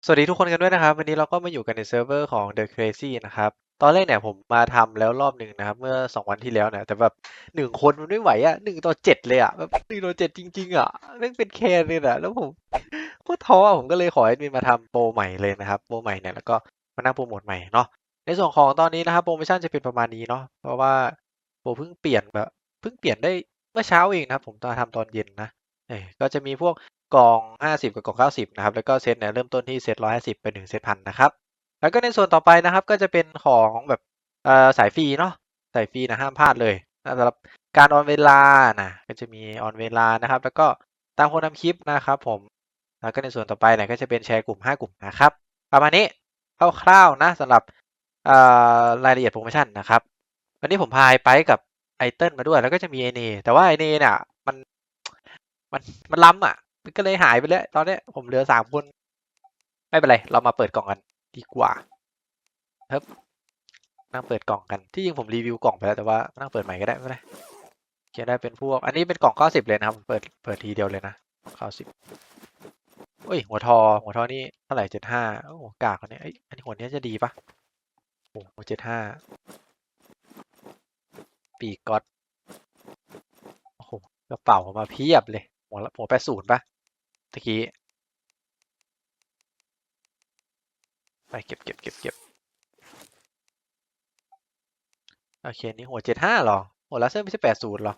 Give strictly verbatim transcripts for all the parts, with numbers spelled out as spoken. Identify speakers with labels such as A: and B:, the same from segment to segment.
A: สวัสดีทุกคนกันด้วยนะครับวันนี้เราก็มาอยู่กันในเซิร์ฟเวอร์ของ The Crazy นะครับตอนแรกเนี่ยผมมาทำแล้วรอบหนึ่งนะครับเมื่อสองวันที่แล้วเนี่ยแต่แบบหนึ่งคนมันไม่ไหวอ่ะหนึ่งต่อเจ็ดเลยอ่ะแบบหนึ่งต่อเจ็ดจริงๆอ่ะแม่งเป็นแคนเลยอ่ะแล้วผมโคตรท้ออ่ะผมก็เลยขอแอดมินมาทำโปรใหม่เลยนะครับโปรใหม่เนี่ยแล้วก็มานั่งโปรโมทใหม่เนาะในส่วนของตอนนี้นะครับโปรโมชั่นจะเป็นประมาณนี้เนาะเพราะว่าโปรเพิ่งเปลี่ยนแบบเพิ่งเปลี่ยนได้เมื่อเช้าเองนะครับผมตอนทำตอนเย็นนะเออก็จะมีพวก กล่องห้าสิบกับกล่องเก้าสิบนะครับแล้วก็เซตเนี่ยเริ่มต้นที่เซตหนึ่งร้อยห้าสิบไปถึงเซตหนึ่งพันนะครับแล้วก็ในส่วนต่อไปนะครับก็จะเป็นของแบบเอ่อสายฟรีเนาะสายฟรีนะห้ามพลาดเลยสำหรับการออนเวลานะก็จะมีออนเวลานะครับแล้วก็ตามคนทำคลิปนะครับผมแล้วก็ในส่วนต่อไปเนี่ยก็จะเป็นแชร์กลุ่มห้ากลุ่มนะครับประมาณนี้คร่าวๆนะสำหรับเอ่อรายละเอียดโปรโมชั่นนะครับวันนี้ผมพาไอ้ไปกับไอเติ้ลมาด้วยแล้วก็จะมีไอเนแต่ว่าไอเนเนี่ยมันมันมันล้ำอ่ะ มันก็เลยหายไปแล้วตอนเนี้ยผมเหลือสามคนไม่เป็นไรเรามาเปิดกล่องกันดีกว่าครับนั่งเปิดกล่องกันที่จริงผมรีวิวกล่องไปแล้วแต่ว่านั่งเปิดใหม่ก็ได้ไม่เป็นไรเขียนได้เป็นพวกอันนี้เป็นกล่องเก้าสิบเลยนะครับผมเปิดเปิดทีเดียวเลยนะเก้าสิบเอ้ยหัวทอหัวทอนี่เท่าไหร่เจ็ดห้าโอ้โหกากอันนี้เอ้ยอันนี้หัวนี้จะดีปะโอ้โหเจ็ดห้าปีกก๊อตโอ้โหกระเป๋ามาเพียบเลยหัวหัวแปดศูนย์ปะตะกี้ไปเก็บเก็บเก็บเก็บโอเคนี่หัวเจ็ดห้าหรอหัวลาเซอร์ไม่ใช่แปดศูนย์หรอ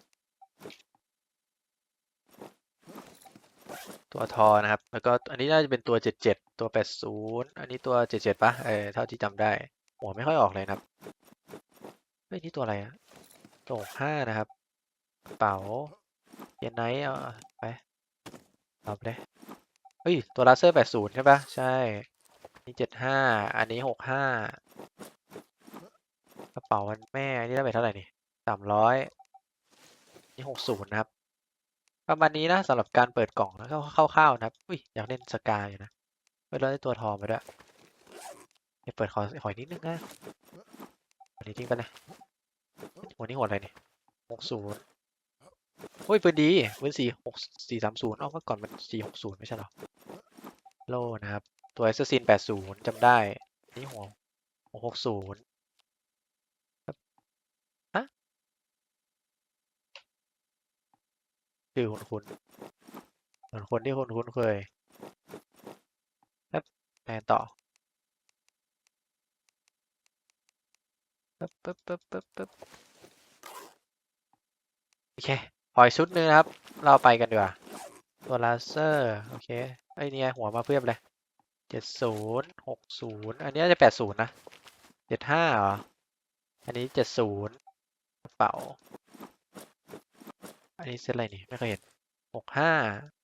A: ตัวทอนะครับ แล้วก็อันนี้น่าจะเป็นตัวเจ็ดเจ็ดตัวแปดศูนย์อันนี้ตัวเจ็ดเจ็ดปะเออเท่าที่จำได้โอ้ไม่ค่อยออกเลยนะครับเฮ้ยนี่ตัวอะไรอะตัวหกห้านะครับกระเป๋าเยนไนท์เอาไปเอาไปเลยเฮ้ยตัวลาเซอร์แปดศูนย์ใช่ปะใช่นี่เจ็ดห้าอันนี้หกห้ากระเป๋าวันแม่อันนี้ได้ไปเท่าไหร่นี่สามร้อยนี่หกศูนย์นะครับประมาณนี้นะสำหรับการเปิดกล่องแล้วก็คร่าวๆนะครับอุ้ยอยากเล่นสกายอยู่นะเฮ้ยเราได้ตัวทอมาด้วยเดี๋ยวเปิดขอขออีกนิดนึงนะอันนี้ทิ้งไปเลย หัวนี้หัวอะไรเนี่ยหกศูนย์โอ้ยปืนดีปืนสี่หกสี่สามศูนย์อ้าวเมื่อก่อนมันสี่หกศูนย์ไม่ใช่เหรอโล่นะครับตัว a อ s ซ s ซินแปดศูนย์จำได้นี่หัวหัวหกศูนย์ฮะคือคุณคุณเหมือนคนที่คุณคุ้นเคยครับแทนต่อปึ๊บปึ๊บปึ๊บปึ๊บปึ๊บโอเคขออีกชุดหนึงนะครับ เราไปกันดีกว่าตัวลาเซอร์โอเคไอ้เนี่ยหัวมาเพียบเลยเจ็ดศูนย์หกศูนย์อันนี้น่าจะแปดศูนย์นะเจ็ดห้าเหรออันนี้เจ็ดศูนย์กระเป๋า อันนี้เซตอะไรนี่ไม่เคยเห็นหกห้า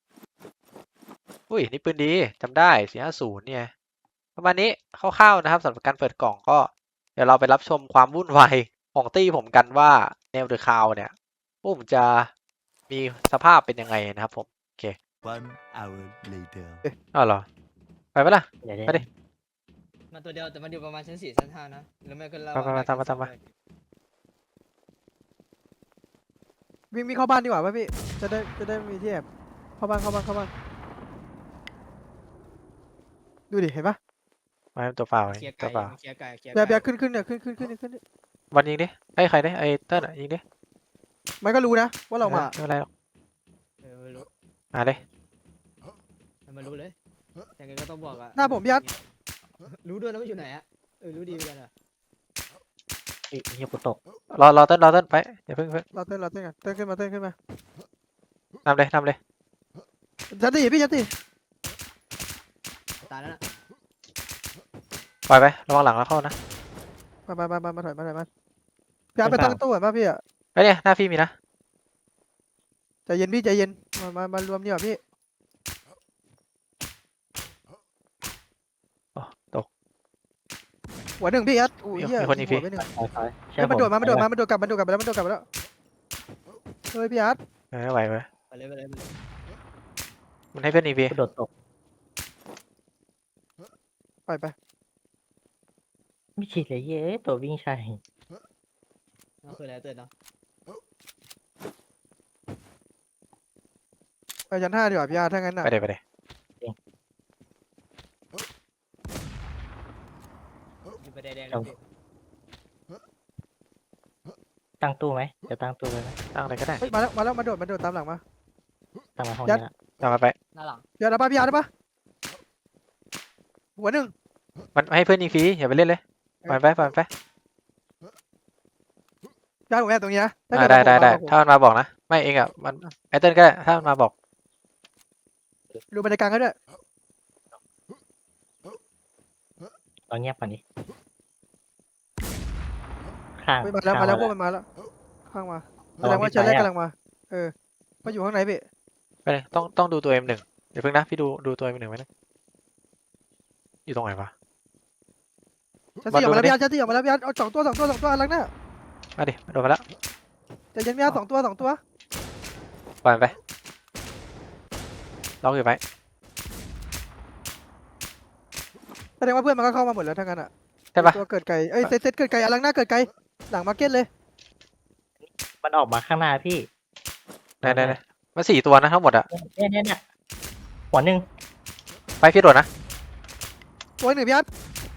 A: อุ้ยนี่ปืนดีจำได้สี่ห้าศูนย์เนี่ยประมาณนี้คร่าวๆนะครับสำหรับการเปิดกล่องก็เดี๋ยวเราไปรับชมความวุ่นวายของตี้ผมกันว่าแนวเดอะคาวเนี่ยพวกผมจะมีสภาพเป็นยังไงนะครับผมโอเค
B: One hour later
A: อ้าวเหรอไปปะล่ะ
C: เดี๋ยวเดี๋
A: ไป
C: ยว
A: ดิ
D: มาตัวเดียวแต่มันอยู่ประมาณชั้นสี่ชั้นห้านะหรือไม่ก็เรา
A: ไปไปไปตามมาตามมา
E: วิ่งวิ่งเข้าบ้านดีกว่าป่ะพี่ จะได้จะได้มีที่แอบเข้าบ้านเข้าบ้านเข้าบ้านดูดิเห็นปะ
A: มาเป็นตัวเปล่าไง
D: เคลียร์
A: ตั
D: ไก่
A: วเปล่า
D: เคลียร์ไก่เคลียร์
E: เบียร์เบีย
D: ไก่
E: ร์ขึ้นขึ้นเนี่ยขึ้นขึ้นขึ้นขึ้น
A: วันยิงดิไอ้ยใครดิไอ้เติ้ลอะยิงดิ
E: มันก็รู้นะว่าเรามา
A: ไม่เป็นไรหรอก
D: เออไม่รู้
A: มาเลย
D: มันมารู้เลยยังไงก็ต้องบอกอะ
E: หน้าผมพี่ยัด
D: รู้ด้วยนะว่าอยู่ไหนอะเออรู้ดีเหมือนกันอะ
C: เฮ้ยเฮียกูตก
A: รอรอเติ้ลรอเติ้ลไปอย่าเพิ่งเพิ่ง
E: เราเต้นเราเต้นกันเต้นขึ้นมาเต้นขึ้นมาน
A: ำเลยนำเลย
E: ยัดดิพี่ยัดดิ
D: ตายแล้วนะ
A: ปล่อยไประวังหลังแล้วเข้านะ
E: มามามามามาถอยมาถอยมาพี่ยัดไปตั้งตู้ก่อนป่ะพี่อะ
A: ไอ้ยเนี่ยหน้าพี่มีนะ
E: ใจเย็นพี่ใจเย็นมามามารวมนี่ก่อนพี่
A: อ๋อตก
E: หัวหนึ่งพี่ยัดอุ้ย
A: มี
E: เหี้ย
A: มีคนอีกพี่
E: หัวไปหนึ่ง
C: ถอยถอย
E: เฮ้ยมันโดดมามันโดดมามันโดดกลับมันโดดกลับไปแล้วมันโดดกลับไปแล้วเฮ้ยพี่ยัด
A: เออไม่ไหวเว้ย
D: ไปเลยไปเลยไปเลย
A: มันให้เพื่อนอีกพี่
C: กูโดดตก
E: ไปไป
C: ไม่ฉีดเลยเย้ตัววิ่งใช่
D: นั่นคืออะไรเตือนเนาะ
E: ไปชั้นห้าดีกว่าพี่ยัดถ้างั้นน่ะ
A: ไปเลยไปเลย
D: ไปแดงๆเลยพี่
C: ตั้งตู้ไหมเดี๋ยวตั้งตู้เลยไหม
A: ตั้งอะไรก็ได้
E: เฮ้ยมาแล้วมาแล้วมาโดดมาโดดตามหลังมา
C: ตั้งมาห้อง
E: ยั
C: นี้
E: ด
C: ละ
A: ตามมาไป
D: หน้าหลัง
E: พี่อาร์ได้ปะพี่อาร์ได้ปะหัวหนึ่ง
A: มันให้เพื่อนยิงฟรีอย่าไปเล่นเลยปล่อยมันไปปล่อยมันไป
E: พี่อาร์ผมแอบตรงนี้นะถ้า
A: อ่า
E: เกิด
A: ได้ได้
E: มันโผล่
A: ได้ถ้ามันมาบอกนะไม่เองอ่ะมันไอเติ้ลก็ได้ถ้ามันมาบอก
E: ดูบันไดกลางก็ด้วย
C: เราเงียบก่อนดิข้าง
E: เฮ้ยมาแล้ว
C: ข้ง
E: มาแล้วพวก
C: เร
E: มันมาแล้วข้างมาแส
C: ระ
E: ด
C: วั
E: ง
C: ง
E: ว่า
C: พี่
E: เชลเล่
C: ไปอะ
E: กำลังมาเออมาอยู่ข้างไหนพี่
A: ไปเลยต้องต้องดูตัวเอ็มหนึ่งเดี๋ยวเพิ่งนะพี่ดูดูตัวเอ็มหนึ่งไว้นะอยู่ตรงไหนวะ
E: ชั้นสี่ออกมาแล้ว
A: มาดูดิ
E: พี่อาร์ชั้นสี่ออกมาแล้วพี่อาร์เอาสองตัวสองตัวสองตัวอันหลังหน้า
A: มาดิโดนมาแล้ว
E: แต่ยังพี่อาร์สองตัวสองตัว
A: ปล่อยมันไปล็อกอยู่ไว้
E: แสดงว่าเพื่อนมันก็เข้ามาหมดแล้วทั้งนั้นอ่ะ
A: ใช่ปะ
E: ตัวเกิดไก่เอ้ยเซตเซตเกิดไก่อันหลังหน้าเกิดไก่หลังมาร์เก็ตเลย
C: มันออกมาข้างหน้าพี่
A: ไหนไหนไหนมันสี่ตัวนะทั้งหมดอะ
C: เนี่ยเนี่ยเนี่ยหัวหนึ่ง
A: ไปพี่โดดนะ
E: ตัวหนึ่งพี่อาร์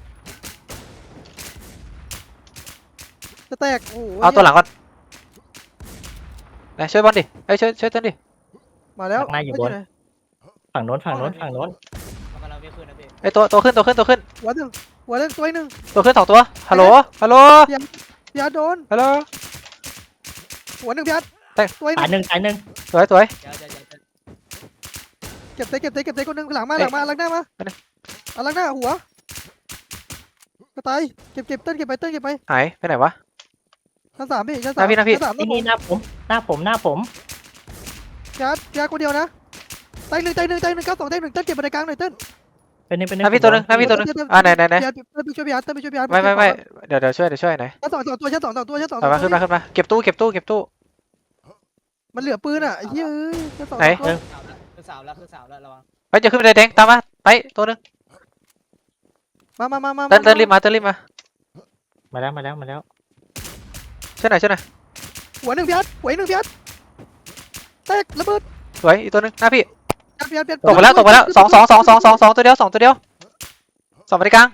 E: จะแตกโอ้โห
A: เอาตัวหลังก่อนไหนช่วยบอลดิเอ้ยช่วยช่วยเต้นดิ
E: มาแล้ว
C: หน้าอยู่บน
E: ไหน
C: ฝั่งโน้นฝั่งโน้นฝั่งโน้น
D: มันกำลังไม่ขึ้นนะพี่
A: ไอยตัวตัวขึ้นตัวขึ้นตัวขึ้น
E: หัวหนึ่งหัวเล่นตัวหนึ่ง
A: ตัวขึ้นสองตัวฮัลโหลฮัลโหล
E: พี่อาร์โดน
A: ฮัลโหล
E: หัวหนึ่งพี่อาร์
A: แตก
E: ตัวห
C: ตาย
E: นึ่ง
C: หนึ่งตายหนึ่ง
A: สวยสวย
D: เดี๋ยวเดี๋ยวเดี๋ยวเดี๋ยว
E: เก็บเซตเก็บเซตเก็บเซตคนหนึ่งหลังมา
A: เอ๊ะ
E: หลังมาหลังหน้ามา
A: ไปไหน
E: อันหลังหน้าหัวก็ตายเก็บเก็บเต้นเก็บไปเต้นเก็บไป
A: หายไปไหนวะ
E: ชั้นสามพี่ชั้น
A: ห
E: สาม
A: น้าพี่หน้าพี่
E: ชั้นสามต้
C: นี่
E: องผม
C: นี่หน้าผมหน้าผมหน้าผม
E: พี่อาร์พี่อาร์คนเดียวนะตายหนึ่งตายหนึ่งตายหนึ่งเก้าสองตายหนึ่งเต้นเก็บบันไดกลางหน่อยเต้น
C: เป็นนี่เป็น
A: หน้าพี่ตัวหนึงหน้าพี่ตัวหนึง
E: เต้น
A: อ่าไหนไหนไหน
E: พี่อาร์เต้นไปช่วยพี่อาร์เต้นไปช่วยพี่อาร์
A: ไม่ไม่ไม่เดี๋ยวเดี๋ยวช่วยเดี๋ยวช่วยไหน
E: ชั้นสองสองตัวชั้นสองสองตัวชั้นสอง
A: เอามาขึ้นมาขึ้นมาเก็บตู้เก็บตู้เก็บตู้
E: มันเหลือปืนอ่ะไอ้เหี้ยเอ้ยชั้นสอง
A: ไหน
E: สองตัว
D: สาวแล้วคือสาวแล้วคือสาวแล้วระวัง
A: ไปจะขึ้นไปแดงตามมาไปตัวหนึง
E: มามามามา
A: เต้นเต้นรีบมาเต้นรีบมา
C: มาแล้วมาแล้วมาแล้ว
A: ช่วยหน่อยช่วยหน่อย
E: หัวหนึ่งพี่อาร์หัวอีกหนึ่งพี่อาร์แตกระเบิด
A: สวยอีกตัวหนึงหน้าพี่
E: พี่อาร์พี่อาร์
A: ตกไปแล้วตกไปแล้วสองสองสองสองสองสองตัวเดียวสองตัวเดียวสองไปที่กลาง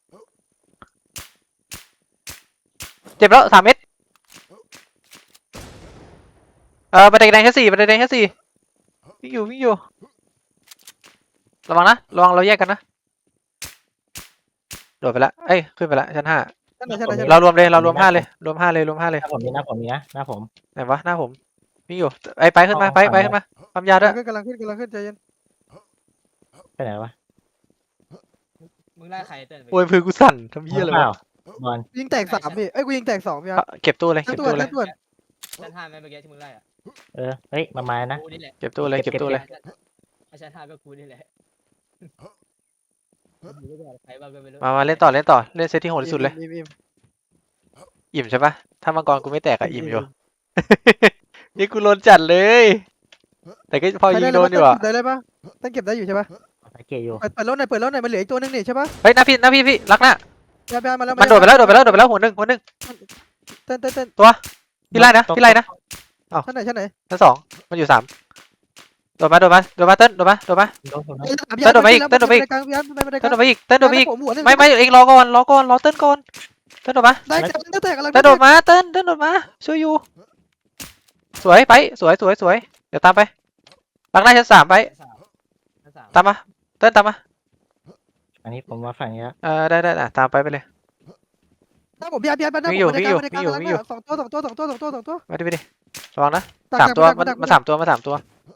A: เจ็บแล้วสามเม็ดเออบันไดแดงแค่สี่บันไดแดงแค่สี่วิ่งอยู่วิ่งอยู่ระวังนะระวังเราแยกกันนะโดดไปแล้วเอ้ยขึ้นไปแล้วชั้นห้า
E: ชั้นไหนชั้นไหนชั้นไหน
A: เรารวมเลยเรารวมห้าเลยรวมห้าเลยรวมห้าเลย
C: หน้าผมนี่หน้าผมนี่นะหน้าผม
A: ไหนวะหน้าผมวิ่งอยู่ไอ้ไปขึ้นมาไปไปขึ้นมาความยาด้วย
E: กำลังขึ้นกำลังขึ้นใจเย็น
C: ไปไหนวะ
D: มึงไล่ใครเต้น
A: โอ้ยพื้นกูสั่นทำเหี้ยอะไร
C: เป
A: วะ
C: ล่าบอล
E: ยิงแตกสามพี่เอ้ยกูยิงแตกสองพี่อาร์
A: เก็บตู้เลย
E: ชั้น
A: เก็บ
E: ตัว
A: ตู้เลย
E: ชั้นตัว
D: ชั้นห้าไหมเมื่อกี้ที่มึงไล่อะ
C: เออเฮ้ยมามานะ
D: กูนี่แหละ
A: เก็บตู้เลยเก็บตู้เลย
D: ชั้นห้าก็กูนี่แหละใครบ้างก็ไม่รู้
A: มามาเล่นต่อเล่นต่อเล่นเซตที่โหดที่สุดเลย
E: อิ่มอิ่ม
A: อิ่มใช่ปะถ้ามังกรกูไม่แตกอะอิ่มอยู่ นี่กูโดนจัดเลย แต่ก็พอยิงโดนอยู่อะ
E: ได้เลยปะตั้งเก็บได้อยู่ใช่ปะ
C: ตะเกียอยู่
E: เปิดเปิดรถหน่อยเปิดรถหน่อยมันเหลืออีกตัวนึงนี่ใช่ปะ
A: เฮ้ยหน้าพี่หน้าพี่พี่รักหน้า
E: พี่อาร์พี่อาร์มาแล้ว
A: มันโดดไปแล้วโดดไปแล้วโดดไปแล้วหัวหนึ่งหัวหนึ่ง
E: เต้นเต้นเต้น
A: พี่ไล่นะพี่ไล่นะ
E: ชั้นไหนชั้นไหน
A: ชั้นสองมันอยู่สามโดดมาโดดมาโดดมาเต้นโดดมาโดดมา
C: โดนผมนะ
E: พี่อาร์
A: เต้นโดดไปอีกเต้นโดดไปอีก
E: กลางพี่อาร์ไปไป
A: เต้นโดดมาอีกเต้นโดดมาอีก
E: ผมหัวหนึ่ง
A: ไม่ไม่เองรอก่อนรอก่อนรอเต้นก่อนเต้นโดดมา
E: ได้แตกได้แตกกำลัง
A: เต้นโดดมาเต้นเต้นโดดมาช่วยอยู่สวยไปสวยสวยสวยเดี๋ยวตามไปรักหน้าชั้นสามไป
D: ชั้นสาม
A: ตามมาเต้นตามมา
C: อันนี้ผมมาฝั่งนี้แล้ว
A: เออได้ได้อ่ะตามไปไปเลย
E: ถ้าผมพี่อาร์พี่อาร์ไปหน้า
A: วิ่
E: ผ
A: ง
E: ม
A: อยู่
E: ไปในกลาง
A: วิ่งอยู่
E: ไปในกลาง
A: วิ่งอยู่
E: สองตัวสองตัวสองตัวสองตัวสองตัว
A: มาดิไปดิระวังนะสามตัวมันมาสามตัวมาสามตัว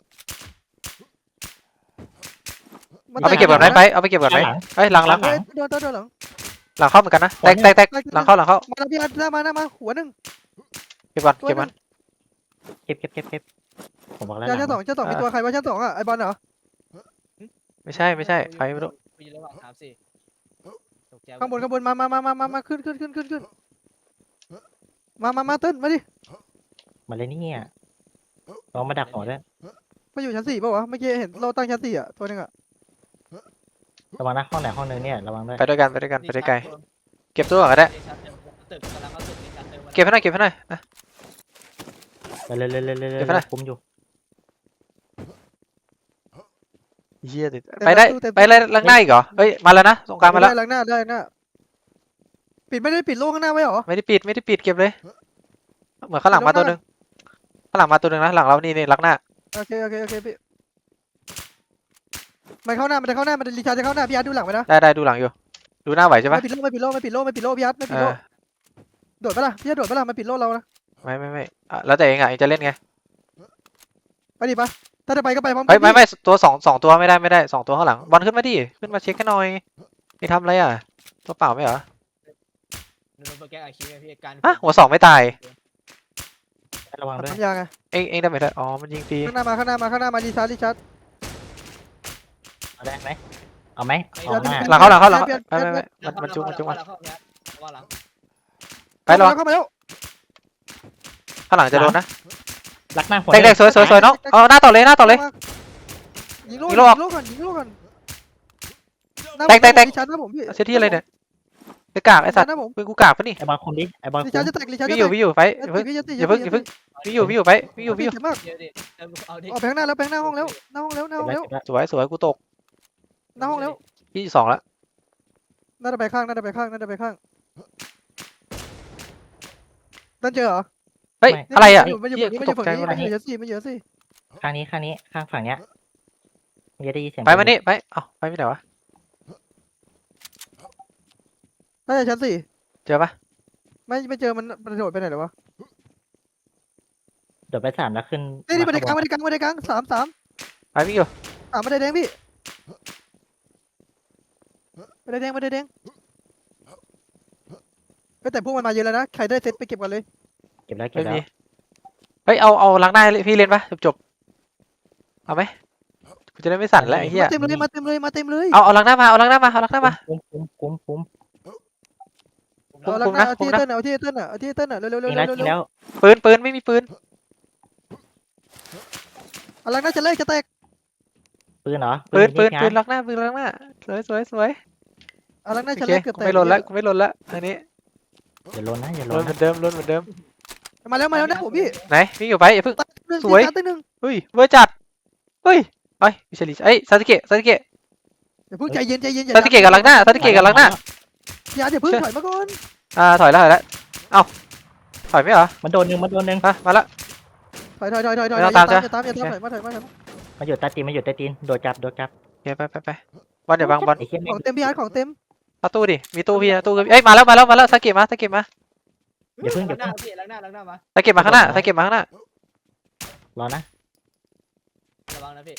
A: เอาไปเก็บก่อนไหมไปเอาไปเก็บก่อนไหม
C: หลัง
A: เฮ้ยหลังหลัง
E: เฮ้ยโดนโดนโดนหลัง
A: หลังเข้าเหมือนกันนะแตกแตกแตกหลังเข้าหลังเข้า
E: มาแล้วพี่อาร์หน้ามาหน้ามาหัวหนึ่ง
A: เก็บก่อน
E: ตัว
A: เก็บ
E: ห
A: ก่อ
E: นึ่
A: น
E: ง
C: เก็บเก็บเก็บเก็บผมบอกแล้ว
E: ชั้นสองชั้นสองมีตัวใครวะชั้นสองอ่ะไอบอลเหรอ
A: ไม่ใช่ไม่ใช่ใครไม่รู้
D: กูอยู่ระหว่างสามสี่ตกใจ
E: ข้างบนข้างบนมามามามามามาขึ้นขึ้นขึ้นขึ้นขึ้นมามามาเต้นมาดิ
C: มาเลยนี่เนี่ยลองมาดักหัวด้วย
E: มาอยู่ชั้นสี่ป่าวะเมื่อกี้เห็นเราตั้งชั้นสี่อ่ะตัวหนึงอ่ะ
C: ระวังนะห้องไหนห้องนึงเนี่ยระวังด้วย
A: ไปด้วยกันไปด้วยกันไปด้วยไกลเก็บตัวก่อนก็ได้
D: ตึกกำลังเอาตึกมีชั้นเติม
A: เก็บให้หน่อยเก็บให้หน่อยนะ
C: ไปเลยเลยเลยเลยเลย
A: เดี๋ยวไปไหน
C: คุมอยู่
A: เฮียติดไปได้ไปเลยหลังหน้าอีกเหรอเฮ้ยมาแล้วนะสงกรารมาแล้ว
E: ได้หลังหน้าได้หน้าปิดไม่ได้ปิดโล่ข้างหน้าไว้เหรอ
A: ไม่ได้ปิดไม่ได้ปิดเก็บเลยเหมือนข้างหลังมาตัวหนึ่งข้างหลังมาตัวหนึ่งนะหลังเรานี่นี่ลักหน้า
E: โอเคโอเคโอเคพี่มันเข้าหน้ามันจะเข้าหน้ามันจะรีชาร์จจะเข้าหน้าพี่อาร์ตดูหลังไว้นะ
A: ได้ได้ดูหลังอยู่ดูหน้าไหวใช่ปะ
E: ไม่ปิดโล่ไม่ปิดโล่ไม่ปิดโล่ไม่ปิดโล่พี่อาร์ตไม่ปิ
A: เอ
E: ดโล่
A: อ
E: โดดปะล่ะพี่อาร์ตโดดปะล่ะมันปิดโล่เรานะ
A: ไม่ไม่ไม่อ่ะแล้วแต่เองอ่ะเองจะเล่นไง
E: ไปดิปะถ้าจะไปก็ไปพร้อมกั
A: เฮ้ย
E: น
A: ไม่
E: พี่
A: ไม่ตัวสองสองตัวไม่ได้ไม่ได้สองตัวข้างหลังบอลขึ้นมาดิขึ้นมาเช็คกันหน่อยนี่ทำอะไรอ่ะตัวเปล่าไม่เหรอ
D: หนูโดนโปรแกรมอาคีไงพี่การ
A: อ่ะหัวสองไม่ตาย
C: ระวังด้วย
E: ทำยังไง
A: เองเองได้ไหมได้อ๋อมันยิงฟรี
E: ข้างหน้ามาข้างหน้ามาข้างหน้ามารีชาร์จรีชาร์จ
C: เอาได้ไหมเอาไหมออกหน้า
A: หลังเข้าหลังเข้าหลัง
E: เปลี่ยน
A: ไม่ไม่ไม่
E: เปลี่ยน
A: มันมันจุกมันจุกมัน
D: เข้าเข้าเข้าหลัง
A: ไปรอ
E: เข้ามาแล้ว
A: ข้างหลังจะโดนนะ
C: รักหน้าหัว
A: เด็กๆสวยสวยสวยน้องเอาหน้าต่อเลยหน้าต่อเลย
E: ยิงโล่
A: ยิ
E: ยิ
A: งโล่
E: ง
A: ออก
E: โล่ก่อนยิงโล่ก่อน
A: แตกแตกแตก
E: รีชาร์จนะผมพี่
A: เซตที่อะไรเนี่ยไปกากไอสัตว์
E: นะผม
A: เป็นกูกากปะนี่
C: ไอ้บอลคุมดิไอ้บอล
E: รี
C: คุ
E: ชาร์
C: ม
E: จจะแตกรีชาร์จ
A: พี่
E: จะ
A: อ
E: แต
A: ยู่
E: ก
A: พี่อยู่ไปอย่าเพิ่ง
E: พี่
A: อย่าเพิ่งอย่าเพิ่งพี่อยู่พี่อยู่ไปพี่อยู่พี่อยู่
E: เจ็บมาก
D: เดี๋ยวดิเอาดิ
E: ออกไปข้างหน้าแล้วไปข้างหน้าห้องแล้วหน้าห้องแล้วหน้าห้องแล้ว
A: สวยสวยกูตก
E: หน้าห้องแล้ว
A: พี่สองแล้ว
E: น่าจะไปข้างน่าจะไปข้างน่าจะไปข้างนั่นเจอเหรอ
A: เฮ้ยอะไรอ่ะ
E: มันอยู่
A: เหี้ย
E: มัน
A: กู
E: อยู่
A: ตก
E: ฝั่ง
A: ใจ
E: นี้
A: หมด
E: มัน
A: เลย
E: อยู่สิมันอยู่สิ
C: ข้างนี้ข้างนี้ข้างฝั่งเนี้ยมันจะได้ยินเสียง
A: ไปมานี่ไปเอ้าไปไม่ไหนวะ
E: น่าจะชั้นสี่
A: เจอปะ
E: ไม่ไม่เจอมันมันโดดไปไหนหรอวะ
C: โดดไปสามแล้วขึ้น
E: นี่นี่บันไดกลาง
C: ม
E: บันไดกลางบันไดกลางสามสาม
A: ไปพี่อยู่
E: สามบันไดแดงพี่บันไดแดงบันไดแดงก็แต่พวกมันมาเยอะแล้วนะใครได้เซตไปเก็บก่อนเลย
C: เก็บแล้วเก็
A: ไม่
C: บแล้ว
A: มีเฮ้ยเอาเอาล้างหน้าให้พี่เล่นปะจบจบเอาไหมกูจะได้ไม่สั่นแล้วไอ้เหี้ย
E: มาเต็มเลยมาเต็มเลยมาเต็มเลย
A: เอาเอาล้างหน้ามาเอาล้างหน้ามาเอาล้างหน้ามา
C: คุ้มคุ้มคุ้มคุ้ม
E: เอาลักหน้าเอาที่เต้นเอาที่เต้นเอาที่เต้นเร็วเร็วเร็
C: จ
E: ว
C: ริง
E: เร็
C: แล้ว
E: ว
C: จริงแล้ว
A: ปืนปืนไม่มีปืน
E: เอาลักหน้าจะเล่จะแตก
C: ปืนเหรอ
A: ปืนปืน
C: ยิง
A: ปืน
C: งา
A: ล้างหน้าปืนล้างหน้าสวยสวยสวย
E: เอาลักหน้า
A: โอ
E: จะ
A: เค
E: เล่เกือบ
A: กู
E: แตก
A: ไม่ลนแล้วกูไม่ลนแล้วอันนี้
C: อย่าลนนะอย่าล
A: ล
C: น
A: นเหมื
C: นะ
A: อนเดิมลนเหมือนเดิม
E: มาแล้วมาแล้วนะผมพี่
A: ไหนพี่อยู่ไปอย่าเพิ่ง
E: หนึ่ง
A: สวย
E: ตีหนึ่ง
A: เฮ้ยเวอร์จัดเฮ้ยไอ้ยมิชลินเอ้ยซาสึเกะซาสึเกะ
E: อย่าเพิ่งใจเย็นใจเย็น
A: ซาสึเกะกับล้างหน้าซาสึเกะกับล้างหน้า
E: อย่าอย่าเพิ่งถอยมาก่อน
A: อ่าถอยแล้วถอยแล้วเอ้าถอยไม่เหรอ
C: มันโดนหนึ่งมันโดนหนึ่ง
A: มามาแล้ว
E: ถอยถอยถอยถอยถอย
A: ไม่
E: อ
A: ต้
E: ย่า
A: อง
E: ตา
A: ตาม
E: มอย่าตามอย่าตาม
A: ใช่
E: ถอยมาถอยมาถอยมา
C: มันอยู่ใต้ตีนมันอยู่ใต้ตีนโดดจับโดดจับ
A: โอเคไปไปไปบอลเดี๋ยวบังบอล
C: ไอ้เหี้ย
E: ข
C: แม่
E: อง งเต็มพี่อาร์ตของเต็ม
A: เอาตู้ดิมีตู้พี่นะตู้เอ้ยมาแล้วมาแล้วมาแล้วซาสึเกะมาซาสึเกะมา
C: อย่าเพิ่งอย่า
D: หน้า
C: เพิ่ง
D: พี่ล้างหน้าล้างหน้ามา
A: ซาสึเกะมาข้างหน้าซาสึเกะมาข้างหน้าร
C: อนะ
D: ระวังนะพี่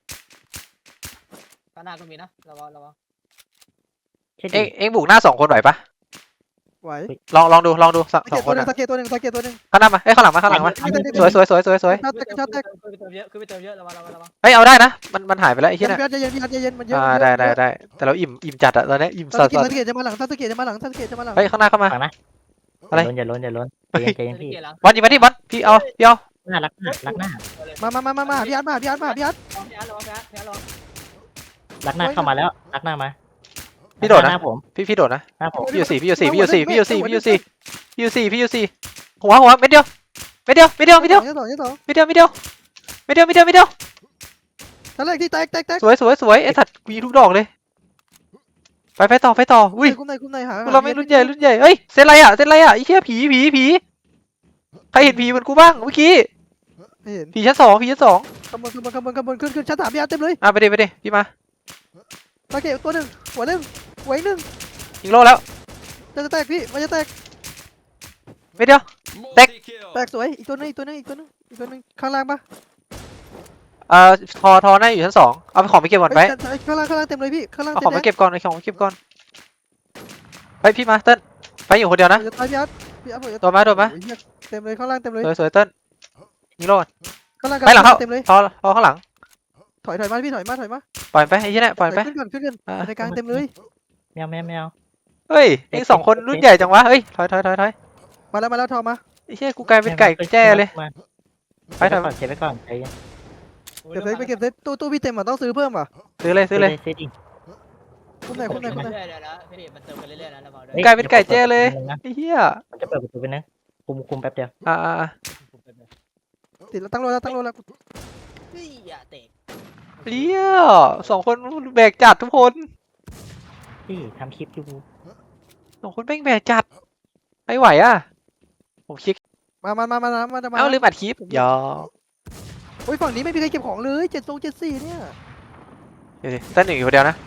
D: ข้างหน้าก็มีนะระวังระวัง
C: แค่
A: เอ็
C: ดี
A: งเอ็งบุกหน้าสองคนไหวปะ
E: ไหว
A: ลองลองดูลองดูส
E: สั
A: สอง
E: เกต
A: ค
E: ตัวน หนึ่ง
A: อะ
E: สังเกตตัวหนึ่งสังเกตตัวหนึ่ง
A: ข้างหน้ามาเอ้ยข้างหลังมาข้างหลังมาสวยสวยสวยสวยสวย
E: ชาร์จแตกชาร์จแตก
D: ขึ้นไปเติมเยอะขึ้นไปเติมเยอะระวังระวังระวัง
A: เฮ้ยเอาได้นะมันมันหายไปแล้วไอ้
E: พี่
A: เหี้ย
E: อา
A: น่ะ
E: ร์ตใจเย็นพี่อาร์ตใจเย็นมันเยอะ
A: อ่าได้ได้ได้แต่เราอิ่มอิ่มจัดอะตอนนี้อิ่ม
E: สั
A: สั
E: ง
A: ส
E: เกต
A: สัส
E: สังเกตจะมาหลังสังเกตจะมาหลังสังเกตจะมาหลัง
A: เฮ้ยข้างหน้าเข้ามา
C: ฟังนะ
A: อะไร
C: อย่าล้นอย่าล้นอย่าล้นใจเย็นใจเย็นพี่
D: เกียร์หลัง
A: บอลยิงมาที่บอลพี่เอาพี่เอา
C: หน้ารักหน้ารักหน้า
E: มามามามามาพี่อาร์ตมาพี่อาร์ตมาพี่อาร์ต
D: พี่อาร์ตระวังพี่อาร์ตพี่อาร์ตระวัง
C: รักหน้าเข้ามาแล้วรักหน้ามา
A: พี่โดด
C: ห
A: นะ
C: น้าผม
A: พี่พี่โดดนะ
C: หน้าผม
A: พี่อยู่สี่พี่อยู่สี่พี่อยู่สี่พี่อยู่สี่พี่อยู่สี่พี่อยู่สี่พี่อยู่สี่หัวหัวเม็ดเดียวเม็ดเดียวเม็ดเดียวเม็ดเดียว
E: ยี่สองยี่สอง
A: เม็ดเดียวเม็ดเดียวเม็ดเดียวเม็ดเดียวเม็ดเดียว
E: ชั้นแรกที่แตกแตกแตก
A: สวยสวยสวยไอ้สัตว์กูยิงทุกดอกเลยไปไปต่อไปต่ออุ้ย
E: คุ้มในคุ้มในหา
A: พวกเราไม่รุ่นใหญ่รุ่นใหญ่เอ้ยเซนไรอ่ะเซนไรอ่ะไอ้เหี้ยผีผีผีใครเห็นผีเหมือนกูบ้างเมื่อกี้
E: ไม่เห็น
A: ผีชั้นสองผีชั้นสอง
E: ขบวนขบวนขบวนขบวนขึ้นขึ้นชั้นสามพี่อาร์ตเต็มเลย
A: อ่ะไปดิไปดิพี่มา
E: สังเกตตัวหนึ่งหัวหนึ่งหัวอีกหนึ่ง
A: ยิงโลแล้ว
E: จะแตกพี่มันจะแตก
A: เม็ดเดียว
E: แตกสวยอีกตัวหนึงอีกตัวหนึงอีกตัวหนึงอีกตัวหนึงข้างล่างปะ
A: เอ่อทอทอหน้าอยู่ชั้นสองเอาไปของไปเก็บก่อนไป
E: เฮ้ยข้างล่างข้างล่างเต็มเลยพี่ข้างล่าง
A: เอา
E: เต็
A: ขอ
E: ม
A: งไป
E: เลย
A: เก็บก่อนเอาของไปเก็บก่อนไปพี่มาเติ้ลไปอยู่คนเดียวนะ
E: จะตายพี่อาร์ตพี่อาร์ตผมจะ
A: โดนมาโดนมา
E: โอ้ยเหี้ยเต็มเลยข้างล่างเต็มเลย
A: สวยสวยเติ้ลยิงโลก่อน
E: ข้างล่าง
A: ไปหลังเข้า
E: เต็มเลย
A: ทอทอข้างหลัง
E: ถอยถอยมาพี่ถอยมาถอยมา
A: ปล่อยไปไอ้เหี้ยเนี่ยปล่อยไป
E: ขึ้นก่อนขึ้นก่อน
A: อ่ะ
E: ในกลางเต็มเลย
C: แมวแมวแมว
A: เฮ้ยเองสองคนรุ่นใหญ่จังวะเฮ้ยถอยถอยถอยถอย
E: มาแล้วมาแล้วทอมา
A: ไอ้เหี้ยกูกลายเป็นไก่แจ้เลย
C: มา
A: ไปถอย
C: ก่อนเก็บไว้ก่อนใจเย็น
E: เก็บเซตไปเก็บเซตตู้ตู้พี่เต็มอ่ะต้องซื้อเพิ่มอ่ะ
A: ซื้อเลยซื้อเลย
C: ซื้อดิ
E: คุ้มไหนคุ้มไหนคุ้มไหน
D: เรื่อยๆนะพี่ดิมันเติมไปเรื่อยๆนะระวังด้วย
C: ฮ้
A: กลายเป็นไก่แจ้เลย
C: นะ
A: ไอ้เหี้ย
C: มันจะเปิดประตูไปนะคุมคุมแป๊บเดียว
A: อ่าอ่าอ่า
E: ติดแล้วตั้งโลแล้วตั้งโลแล้ว
D: เฮ้ยอย่าเตะ
A: เหี้ยสองคนแบกจัดทุกคน
C: พี่ทำคลิปอยู่
A: สองคนแม่งแบกจัดไม่ไหวอ่ะผมคลิก
E: มามามามามามามา
A: เอ้าลืมอัดคลิปยอ
E: โอ้ยฝั่งนี้ไม่มีใครเก็บของเลยเจ็ดทรงเจ็ดสี่เนี่ย
A: เดี๋ยวสิเต้นหนึ่งอยู่คนเดียวนะ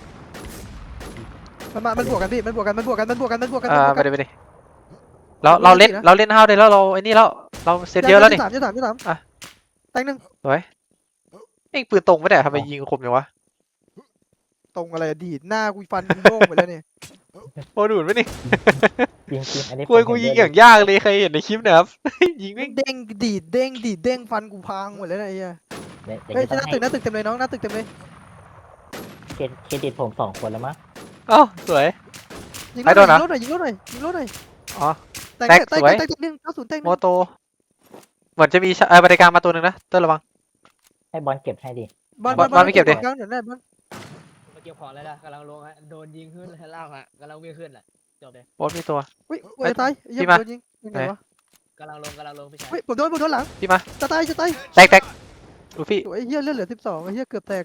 E: มันมามันบวกกันพี่มันบวกกันมันบวกกันมันบวกกันมันบวกกัน
A: อ่า
E: มันบวก
A: ไป
E: กัน
A: เลยไปเลยเราเราเล่นเราเล่นห้าวได้แล้วเราไอ้นี่แล้วเราเซตเยอะแล้วนี่
E: สามยี่สามยี่สาม
A: อ่ะ
E: แตงหนึ่ง
A: สวยเอ็งปืนตรงไม่ได้ทำไมยิงคมจังวะ
E: ตรงอะไรอะดีดหน้ากูฟันกูโล่งไปแล้วเนี่ย
A: โอ้ดูดไหมนี่
C: จริงๆอันนี้
A: กูกูยิงอย่างยากเลยใครเห็นในคลิปนะครับ ยิงไม่ง
E: เด้งดีดเด้งดีดเด้งฟันกูพังหมดแล้วนะไอ้เหี้ย
C: เดี๋ยว
E: เฮ้ย
C: เดี๋ยว
E: หน้า
C: จะ
E: ตึ
C: ต้
E: ก
C: อง
E: หน้าตึกเต็มเลยน้องหน้าตึกเต็มเลย
C: ให้เครดิตผมสองคนแล้วมั้ง
A: เอ้าสวย
E: ยิง
A: ใครโดนนะ
E: รถหน่อยยิงรถหน่อยยิงรถหน่อย
A: อ๋อ
E: แต่ง
A: แตก
E: แต่ง
A: สวย
E: แต่งแต่งหนึ่งเก้าศูนย์แต่งห
A: โม
E: นึ่ง
A: โตเหมือนจะมีเอ่อบริการมาตัวหนึ่งนะเต้นระวัง
C: ให้บอลเก็บให้ดิ
E: บอล
A: บอลบอลไม่เก็บดิ
E: กลางเดี๋ยวได้บอล
D: มาเก็บของแล้วนะกำลังลงฮะโดนยิงขึ้นแล้วล่างฮะกำลังวิ่งขึ้นแหละจบเลย
A: โบอสมีตัว
E: อุ้ยกูจะตายไอ้เหี้ย
A: พี่มา
E: โดนยิงยังไงวะ
D: กำลังลงกำลังลงพี่ชาย
E: เฮ้ยผมโดนผมโดนหลัง
A: พี่มา
E: จะตายจะตาย
A: แตกแตกลูฟี่
E: โอ้ยไอ้เหี้ยเลือดเหลือสิบสองไอ้เหี้ยเกือบแตก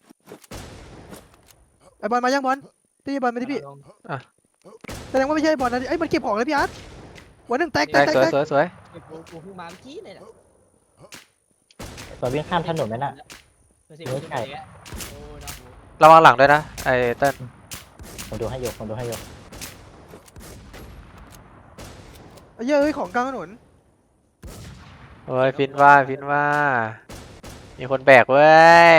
E: ไอ้บอลมายังบอลตีบอลมาที่พี่
D: กำลังลง
E: แสดงว่าไม่ใช่บอลนะดิไอ้ยมันเก็บของเลยพี่อาร์ตวันหนึ่งแตกแต
A: แต
E: ก
A: ก
E: แตก
A: สวย
E: แตก
A: สวยสวย
D: ไอ้กูกูเพิ่งมาเมื่อกี้เลยนะ
C: ตัววิ่งข้ามถนนนั่นน่ะ
D: เดี๋ยวสิ
C: ไม่ใช่
D: กูจะไปแล้วโอ้น้องกู
A: ระวังหลังด้วยนะไอ้เต้น
C: ผมดูให้โยกผมดูให้โยก
E: ไอ้เหี้ยเอ้ยของกลางถนน
A: โอ้ยฟินว่าฟินว่า มีคนแบกเว้ย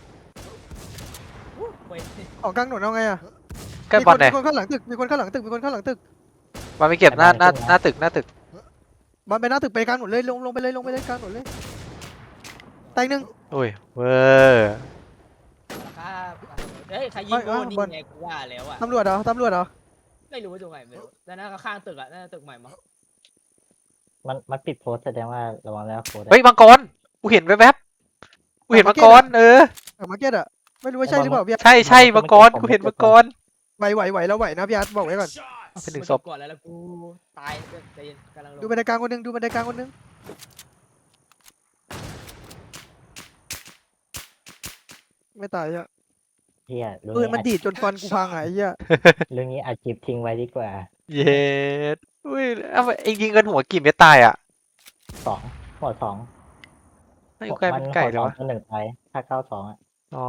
D: เว้ย
E: ของกลางถนนเอาไงอะ
A: ใกล้บอลไหน
E: มีคนมีคนข้างหลังตึกมีคนข้างหลังตึกมีคนข้างหลังตึก
A: มาไม่เก็บหน้าหน้าหน้าตึกหน้าตึก
E: บอลไปหน้าตึกไปกลางถนนเลยลงลงไปเลยลงไปเลยกลางถนนเลยแตงหนึ่ง
A: อุ้ยเวอร์
D: ครับเฮ้ยใครยิงโดนนี่ไงกูว่าแล้วอ่ะ
E: ตำรวจเหรอตำรวจเหรอ
D: ไม่รู้ว่าตรงไหนไม่รู้แล้วนั่นก็ข้างตึกอ่ะนั่นตึกใหม่มั้ง
C: มันมันปิดโพสต์แสดงว่าระวังแล้วโพสต์
A: เฮ้ยมังกรกูเห็นแวบๆกูเห็นมังกรเออ
E: เออมาร์เก็ตอะไม่รู้ว่าใช่หรือเปล่าพี่อาร์ต
A: ใช่ใช่มังกรกูเห็นมังกร
E: ไหวไหวไหวแล้วไหวนะพี่อาร์ตบอกไว้ก่อน
A: เอาเป็นหนึ่ง
D: มั
A: ศพ
D: ก่อนแล้วแล้วกูตายใจเย็นกำลังลง
E: ดูบันไดกลางคนหนึงดูบันไดกลางคนหนึงไม่ตายอะ
C: เฮียเรื่อง
E: ปืน
C: นี้
E: มัน
C: อัด
E: ดีดจนฟันกูพังอะไอ้เหี้ย
C: เรื่องนี้อัดคลิปทิ้งไว้ดีกว่า
A: เย็ดอุ้ยเอาไปเองยิงกันหัวกี่เม็ดตายอ่ะ
C: สองหัวสอง
A: ไม่ใกล้เป็นไก่
C: หั
A: เลยว
C: สอง
A: วะ
C: ตัวหนึ่งไปถ้าเก้าสองอ่ะ
A: อ๋อ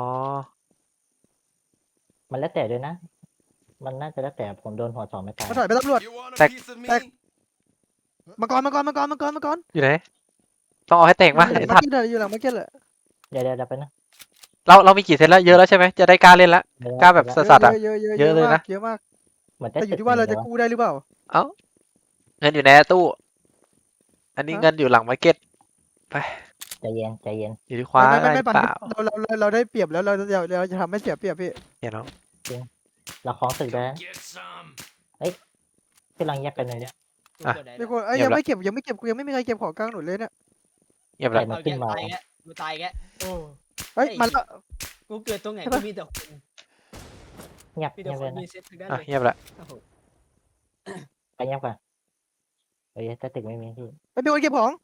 C: มันแล้วแต่ด้วยนะ มันน่าจะแล้วแต่ผมโดนหัวสองไม่ตาย
E: มาถอยไปตำรวจ
B: You want a
A: Tech-
B: piece of me?
E: Tech- มังกรมังกรมังกรมังกรมังกร
A: อยู่ไหนต้องเอาให้แตกมา
E: อยู่หลั
A: ไอ้
E: งมา
A: ทั
E: ร์
A: ด
E: เก็ตอะอยู่หลังมาร์เก็ตแหละ
C: เดี๋ยวเดี๋ยวเดี๋ยวไปนะ
A: เราเรามีกี่เซตแล้วเยอะแล้วใช่ไหมจะได้กล้าเล่นละ
C: เดี๋ยว
A: กล้าแบบ
C: เดี๋ยว
A: สัตว์อะ
E: เยอะเยอะ
A: เยอะเลยนะ
E: มากเยอะมาก
C: เหมือน
E: แต่อยู่ที่ว่าเราจะกู้ได้หรือเปล่า
A: เอ้าเงินอยู่ในตู้ อันนี้
E: ฮะ
A: เงินอยู่หลังมาร์เก็ต
C: ใจเย็นใจเย็น
A: อยู่ที่คว้า
E: ไม่ไม่
A: ได้
E: ไม่
A: เป
E: ไม่
A: ล่า
E: เราเราเราเราได้เปรียบแล้วเราเราเราจะทำให้เสียเปรียบพี่
A: เห็นเนาะ
C: เราคล้องตึกได้
B: Get some.
C: ที่เราแยกกันเลยเนี่ย
D: กูเกิดไหน
E: มีคนเอ้ย
A: เงีย
E: ยั
A: บ
E: ง
A: ละ
E: ไม่เก็บยังไม่เก็บกูยังไม่มีใครเก็บของกลางถนนเลยเนี่ย
A: เงียบ
C: ใคร
A: แล้ว
C: มัน
D: เอา
C: ขึ้
D: แก
C: นมา
D: ตายแกกูตายแกโอ้
E: เฮ้ย
D: เฮ้ย
E: มาแล้ว
D: กูเกิดตรงไหน
E: ใช่
D: ก็
E: ปะ
D: มีแต่คน
C: เงียบ
D: มี
C: เงี
D: แต่
C: ยบ
D: ค
C: เลยนะ
D: นมีเซ็ตทั้งนั้น
A: อ่ะ
D: เลย
A: เงียบแล้ว
D: โอ้โห
C: ไปเงียบก่อนเฮ้ยถ้าตึกไม่มีพี่
E: ไม่มีคนเก็บของ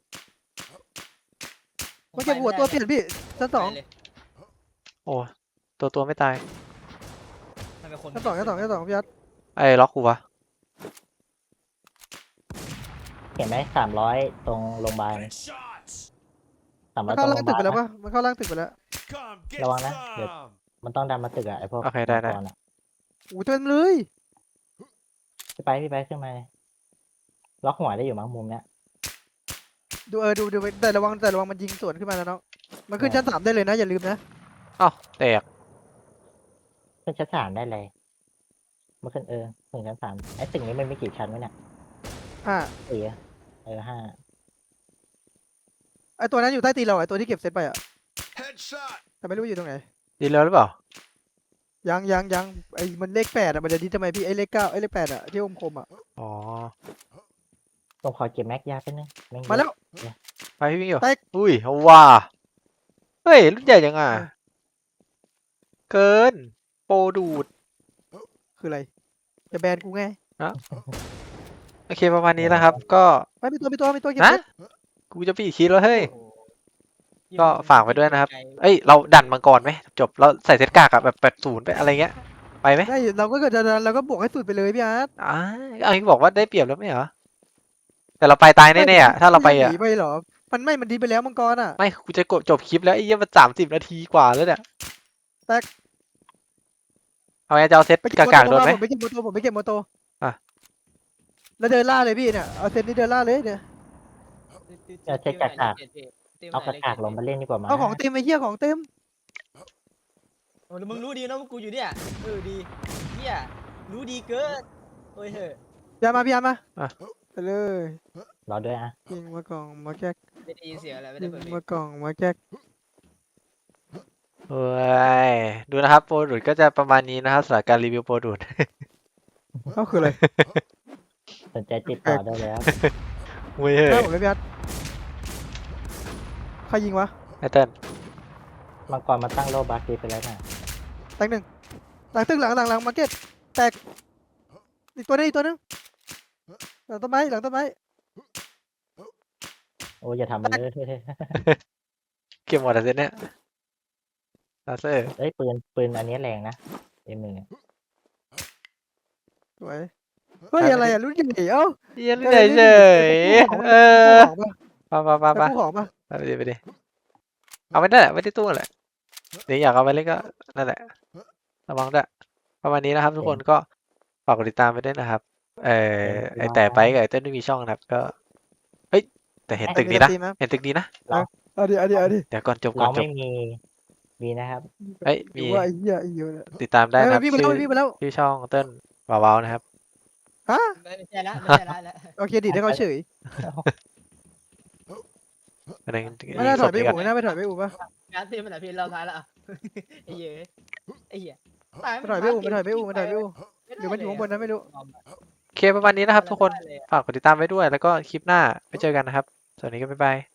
E: มาเก็บหัวตัวเปลี่ยนพี่ชั้นสอง
D: ไปเลย
A: โอ้ตัวตัวไม่ตาย
D: มันเป็นคน
E: ชั้นสองชั้นสองชั้นสองพี่อาร์ต
A: ไอ้ล็อกกูวะ
C: เห็นไหมสามร้อยตรงโรงพยาบาล
B: Shots.
C: สามร้
E: มั
C: อน ยตร
E: เข้าง
C: โร
E: ล่าง
C: งพ
E: ตึก
C: ยา
E: ไป
C: บาล
E: แล้ว
C: นะ
E: ปะมันเข้าล่างตึกไปแล้ว
B: Come get
C: ระวังนะเดี๋ยว
B: some.
C: มันต้องดันมาตึกอะไอพวก
A: โอเคได้ได้
C: มังกรอะ
E: โอ้เต็มเลย
C: พี่ไปพี่ไปขึ้นมาเลยล็อกหัวได้อยู่มั้งมุมเนี้ย
E: ดูเออดูดูไปแต่ระวังแต่ระวังมันยิงสวนขึ้นมานะน้องมันขึ้นชั้นสามได้เลยนะอย่าลืมนะ
A: เอ้าแตก
C: ขึ้นชั้นสามได้เลยเมื่อขึ้นเออถึงชั้นสามไอ้ตึกนี้มันมีกี่ชั้นวะเนี่ย
E: อ่า
C: สี่อะเออห้า
E: ไอตัวนั้นอยู่ใต้ตีนเราไอตัวที่เก็บเซตไปอ่ะ
B: Headshot.
E: แต่ไม่รู้อยู่ตรงไหน
A: ดีแล้วหรือเปล่า
E: ยังยังยังไอมันเลขแปดอ่ะมันจะดีทำไมพี่ไอเลขเก้าไอเลขแปดอ่ะที่อมคมอ่ะ
A: อ๋อ
C: ผมขอเก็บแม็กยาไปบนึงแงเยอะ
E: มาแล้ว
A: ไปพี่วิ่งอยู่
E: แตก
A: อุ้ยเอาว่าเฮ้ยรุ่นใหญ่ยังอ่ะ
E: เออ
A: เกิน โปรดูด
E: คืออะไรจะแบนกูไง
A: โอเคประมาณนี้นะครับ ก็
E: ไม่มีตัวมีตัวมีตัวเก็บ
A: นะ
E: เซต
A: กูจะปีคิดแล้วเฮ้ย
D: โอ้โห
A: ก็ฝากไว้ด้วยนะครับ เอ้ยเราดันมังกรไหมจบเราใส่เซตกากอะแบบแปดศูนย์ไปอะไรเงี้ยไปไหม
E: ได้เราก็เกิดจะดันเราก็บวกให้สุดไปเลยพี่อาร์ต
A: อ่าเอาที่บอกว่าได้เปรียบแล้วไม่เหรอแต่เราไปตายแน่ๆอะถ้าเราไป
E: ม่
A: อ่ะ
E: หนีไปเหรอมันไม่มันดีไปแล้วมังกรอ่ะ
A: ไม่กูจะกดจบคลิปแล้วไอ้เหี้ยมันสามสิบนาทีกว่าแล้วเนี่ย
E: แตก
A: เอาไงจะเอาเซต
E: ไปเก็บ
A: กากๆ
E: โม
A: โดน
E: โต
A: ไหม
E: ผมไปเก็บโมโตผมไปเก็บโมโต
A: อ่ะ
E: แล้วเดินล่าเลยพี่เนี่ยเอาเซตนี้เดินล่าเลยเนี่ย
C: เอาเช็คกากๆเอากากๆลงมาเล่นดีกว่ามั้ย
E: เอาของเต็มไอ้เหี้ยของเต็ม
D: โอ้แล้วมึงรู้ดีนะว่ากูอยู่เนี่ยเออดีเฮียรู้ดีเกินโอ้ยเฮ้ย
E: พี่อาร์ตมาพี่อาร์ตมา
A: อ่ะ
E: ไปเลย
C: รอด้วยอ่ะ
E: ยิงมากล่องมาแก๊ก
D: ไม่ได้ยินเสียงอะไรไม่
E: ยิ
D: ได้
E: ง
D: เปิดเพลง
E: มากล่องมาแก๊ก
A: โอ้ยดูนะครับโปรดูดก็จะประมาณนี้นะครับสำหรับการรีวิวโปรดูด
E: ก็คืออะไร
C: สนใจติดต่อได้แล้ว
A: เว้ย
E: หน้าผมเลยพี่อาร์ตใครยิงวะ
A: ไอเติ้ล
C: มังกรมาตั้งโลบัคดีไปแล้วน่ะ
E: แตกหนึ่งหลังตึ้งหลังหลังหลังมาร์เก็ตแตกอีกตัวนึงอีกตัวนึงหลังต้นไม้หลังต้นไม้
C: โอ้ยอย่าทำมันเลย
A: เก็บหมดแล้วเซตเนี่ยลาเซอร์
C: เอ้ยปืนปืนอันนี้แรงนะเอ็มหนึ่ง
E: สวยเฮ้ยอะไรอ่ะรุ่นใหญ่เอ้า
A: เหี้ยันเฉยเฉยๆเออ
E: ของ
A: ไปไปไป
E: ปะ
A: ไป
E: กู้ของปะ
A: ไปดิไปดิเอาไม่ได้แหละไม่ได้ตู้แหละเดี๋ยวอยากเอาไปเล่นก็นั่นแหละระวังด้วยประมาณนี้นะครับทุกคนก็ฝากกดติดตามไปด้วยนะครับ เออไอแต่ไปกับไอเต้นไม่มีช่องนะครับก็เฮ้ยแต่เห็นตึกนี้นะ
E: มีสตรีมครับ
A: เห็นตึกนี้นะ
E: เอาดิเอาดิเอาดิ
A: เดี๋ยวก่อนจบก่อ
C: เรา
A: นจบ
C: ไม่มีมีนะครับ
A: เอ้ย
E: หรื
A: มี
E: อว่าไอ้เหี้ยไอ้เหี้ยเนี่ย
A: ติดตามได้นะครับ
E: เอ้ยวิ่งไป
A: ชื่
E: แล้ว
A: อ
E: วิ่งไปแล้ว
A: ชื่อช่องเต้นว้าวๆนะครับ
E: ฮะ
D: ไม่ใช่ละไม่ใช่ละแล้ว
E: โอเคดิให้เขาเฉย
A: อันนั้น
E: ไม่น่าถ
A: ศ
E: อย
A: พ
E: ไป
A: นี้ก่อ
E: อู่
A: น
E: ไม่น่าไปถอยไปอู่ปะ
D: งานที่มันไหนพี่เราท้ายละอ่ะไอ้เหี้ยไอ้เหี้ยตาย
E: ไปถอยไปอู่ไปถอยไปอู่ไปถอยไปอู่หรือมันอยู่ข้างบนนั้นไม่รู้
A: โอเคประมาณนี้นะครับทุกคนฝากกดติดตามไว้ด้วย แล้วก็คลิปหน้าไปเจอกันนะครับสวัสดีครับบ๊ายบาย